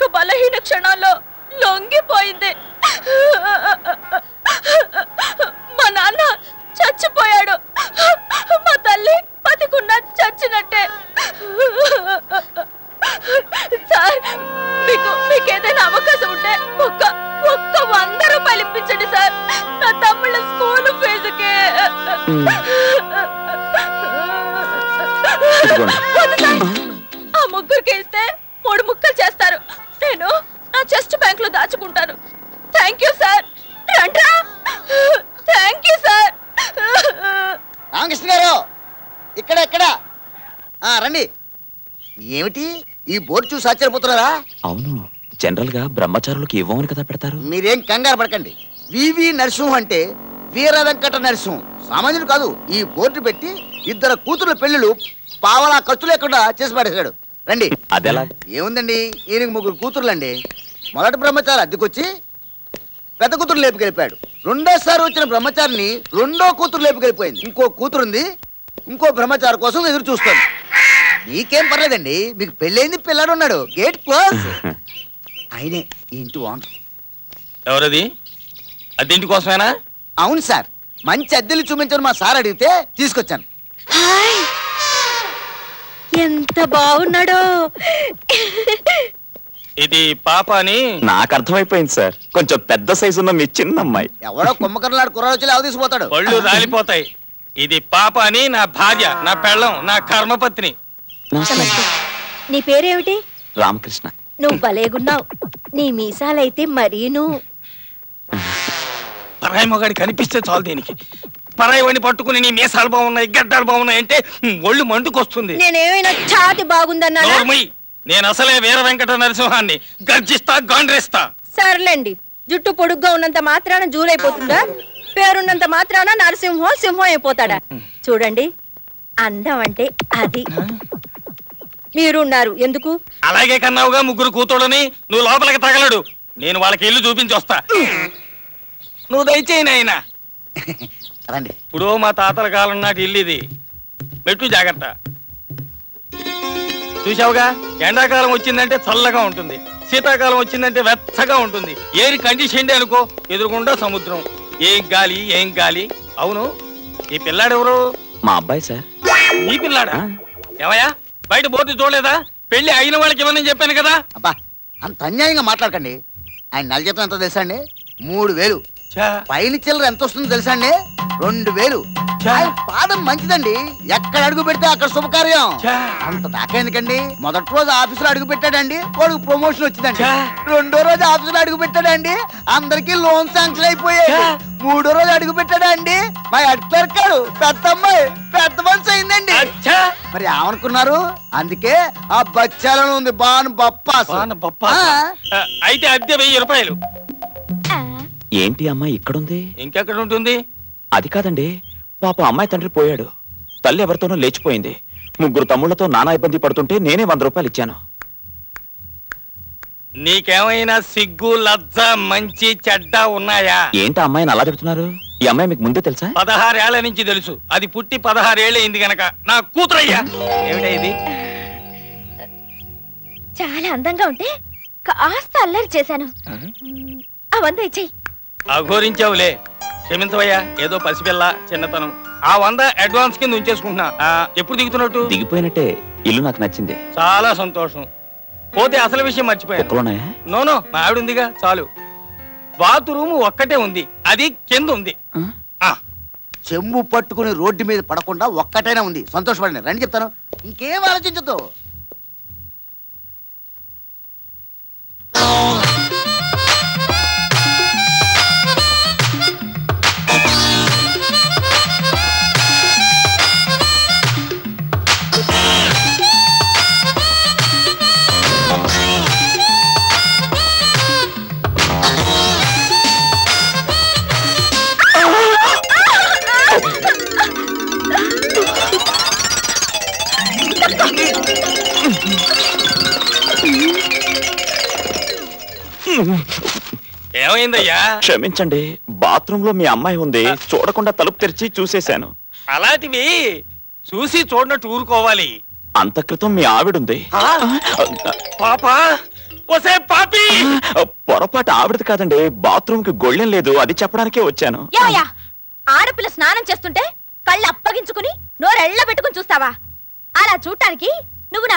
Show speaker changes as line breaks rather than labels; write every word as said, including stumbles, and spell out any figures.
ఒక్క బలహీన క్షణాల్లో లొంగిపోయింది. మా నాన్న చచ్చిపోయాడు, మా తల్లి బతికున్నా చచ్చినట్టే. సార్, మీకు మీకేదైనా అవకాశం ఉంటే ఒక్క ఒక్క వంద రూపాయలు ఇప్పించండి సార్, నా తమ్ముళ్ళ స్కూల్ ఫీజుకి. ఆ ముగ్గురికి ఇస్తే మూడు ముక్కలు చేస్తారు. నేను నా చెస్ట్ బ్యాంక్ లో దాచుకుంటాను. Thank you sir. రండ్రా. Thank you sir.
రామకృష్ణ గారు, ఇక్కడ ఇక్కడ రండి. ఏమిటి ఈ బోర్డు చూసి ఆశ్చర్యపోతున్నారా?
అవును, జనరల్ గా బ్రహ్మచారులకు ఇవ్వమని కదా పెడతారు.
మీరేం కంగారు పడకండి. వివి నరసింహం అంటే వీర వెంకట నరసింహం, సామాన్యుడు కాదు. ఈ బోర్డు పెట్టి ఇద్దరు కూతురు పెళ్లిళ్ళు పావలా ఖర్చు లేకుండా చేసి పడేశాడు. రండి.
అదెలా?
ఏముందండి, ఈయనకి ముగ్గురు కూతుర్లండి. మొదటి బ్రహ్మచారి అద్దెకొచ్చి పెద్ద కూతురు లేపుకెళ్ళిపోయాడు. రెండోసారి వచ్చిన బ్రహ్మచారిని రెండో కూతురు లేపుకెళ్ళిపోయింది. ఇంకో కూతురుంది, ఇంకో బ్రహ్మచారి కోసం ఎదురు చూస్తుంది. మీకేం పర్లేదండి, మీకు పెళ్ళైంది, పిల్లాడు ఉన్నాడు. Gate close. ఆయనే ఈ ఇంటి ఓనర్.
ఎవరది? అద్దెంటి కోసమేనా?
అవును సార్, మంచి అద్దెలు చూపించని మా సార్ అడిగితే తీసుకొచ్చాను.
ఎంత బాగున్నాడో.
ఇది పాప అని
నాకు అర్థమైపోయింది సార్. కొంచెం పెద్ద సైజు ఉన్న మీ చిన్న అమ్మాయి.
ఎవడో కుమ్మకర్లాడు కుర్రాడు వచ్చి లేవ తీసుకుపోతాడు.
పళ్ళు రాలిపోతాయి. ఇది పాప అని నా భార్య, నా పెళ్ళం, నా కర్మపత్ని.
నీ పేరేమిటి?
రామకృష్ణ.
నువ్వు భలేగున్నావు. నీ మీసాలైతే మరీను.
పరాయి మొగాడి కనిపిస్తే చాలు దీనికి. పరాయి వాడిని పట్టుకుని నీ మీసాలు బాగున్నాయి, గడ్డాలు బాగున్నాయి అంటే ఒళ్ళు మండుకొస్తుంది.
నేనేమైనా ఛాతి బాగుందన్నా?
నేను అసలే వీర వెంకట నరసింహాన్ని. గర్జిస్తా, గాండ్రేస్తా.
సర్లేండి, జుట్టు పొడుగ్గా ఉన్నంత మాత్రాన జూలైపోతుందా? పేరున్నంత మాత్రాన నరసింహం సింహం అయిపోతాడా? చూడండి, అందం అంటే అది. మీరున్నారు ఎందుకు?
అలాగే కన్నావుగా ముగ్గురు కూతుళ్ళని. నువ్వు లోపలికి తగలడు, నేను వాళ్ళకి ఇల్లు చూపించి వస్తా. నువ్వు దయచేయి నాయనా.
రండి.
ఇప్పుడు మా తాతల కాలం నాటి ఇల్లు ఇది. మెట్టు జాగ్రత్త. చూసావుగా, ఎండాకాలం వచ్చిందంటే చల్లగా ఉంటుంది, శీతాకాలం వచ్చిందంటే వెచ్చగా ఉంటుంది. ఏరి కండిషన్ అనుకో, ఎదురుకుండా సముద్రం. ఏం గాలి, ఏం గాలి. అవును, ఈ పిల్లాడెవరు?
మా అబ్బాయి సార్.
ఈ పిల్లాడా? ఏమయ్యా, బయట బోర్డు చూడలేదా? పెళ్లి అయిన వాళ్ళకి ఇవ్వనని చెప్పాను కదా.
అబ్బా, అంత అన్యాయంగా మాట్లాడకండి. ఆయన నెల జీతం ఎంత తెలుసా అండి? మూడు వేలు. పైన చిల్లర ఎంత వస్తుందో తెలుసా అండి? రెండు వేలు. ఆయన పాదం మంచిదండి, ఎక్కడ అడుగు పెడితే అక్కడ శుభకార్యం. అంత దాకా ఎందుకండి? మొదటి రోజు ఆఫీసులో అడుగు పెట్టాడండి, వాడికి ప్రమోషన్ వచ్చిందండి. రెండో రోజు ఆఫీసులో అడుగు పెట్టాడండి, అందరికి లోన్ శాంక్షన్ అయిపోయాయి. మూడో రోజు అడుగు పెట్టాడండి, మా హెడ్ క్లర్క్ గారు పెద్ద అమ్మాయి పెద్ద మనిషి అయిందండి. మరి ఏమనుకున్నారు? అందుకే ఆ బచ్చాలను ఉంది బాను బప్పాసు.
అయితే అద్దె వెయ్యి రూపాయలు.
ఏంటి అమ్మాయి ఇక్కడుంది?
ఇంకెక్కడ ఉంటుంది?
అది కాదండి, పాప అమ్మాయి తండ్రి పోయాడు, తల్లి ఎవరితోనో లేచిపోయింది. ముగ్గురు తమ్ముళ్లతో నానా ఇబ్బంది పడుతుంటే నేనే వంద రూపాయలు ఇచ్చాను.
నీకేమైనా సిగ్గు, లజ్జ, మంచి చెడ్డ ఉన్నాయా?
ఏంటి అమ్మాయిని అలా తిడుతున్నారు? ఈ అమ్మాయి మీకు ముందే తెలుసా?
పదహారేళ్ల నుంచి తెలుసు. అది పుట్టి పదహారేళ్ళు అయింది గనక నా కూతురయ్యా. ఏమిటా ఇది?
చాలా అందంగా ఉంటే కాస్త అల్లరి చేశాను. అవంతా ఇచ్చేయి.
అఘోరించావులే, క్షమించవయ్యా. ఏదో పసిపిల్ల, చిన్నతనం. ఆ వంద అడ్వాన్స్ కింద ఉంచేసుకుంటున్నా. ఎప్పుడు దిగుతున్నట్టు?
దిగిపోయినట్టే. ఇల్లు నాకు నచ్చింది.
చాలా సంతోషం. పోతే అసలు విషయం మర్చిపోయాను. నోనో, మా ఆవిడ ఉందిగా, చాలు. బాత్రూమ్ ఒక్కటే ఉంది, అది కింద ఉంది.
చెంబు పట్టుకుని రోడ్డు మీద పడకుండా ఒక్కటైనా ఉంది. సంతోషపడండి. రండి చెప్తాను, ఇంకేం ఆలోచించదు.
ఏమైందయ్యా?
క్షమించండి, బాత్రూమ్ లో మీ అమ్మాయి ఉంది, చూడకుండా తలుపు తెరిచి చూసేశాను.
అలాంటివి చూసి చూడనట్టు ఊరుకోవాలి.
అంత క్రితం మీ ఆవిడుంది.
పాప ఒసే పాపి
పొరపాటు ఆవిడది కాదండి, బాత్రూమ్ కి గొళ్ళెం లేదు, అది చెప్పడానికే వచ్చాను.
ఏమయ్యా, ఆడపిల్ల స్నానం చేస్తుంటే కళ్ళు అప్పగించుకుని నోరెళ్ళ పెట్టుకుని చూస్తావా? అలా చూడటానికి నువ్వు నా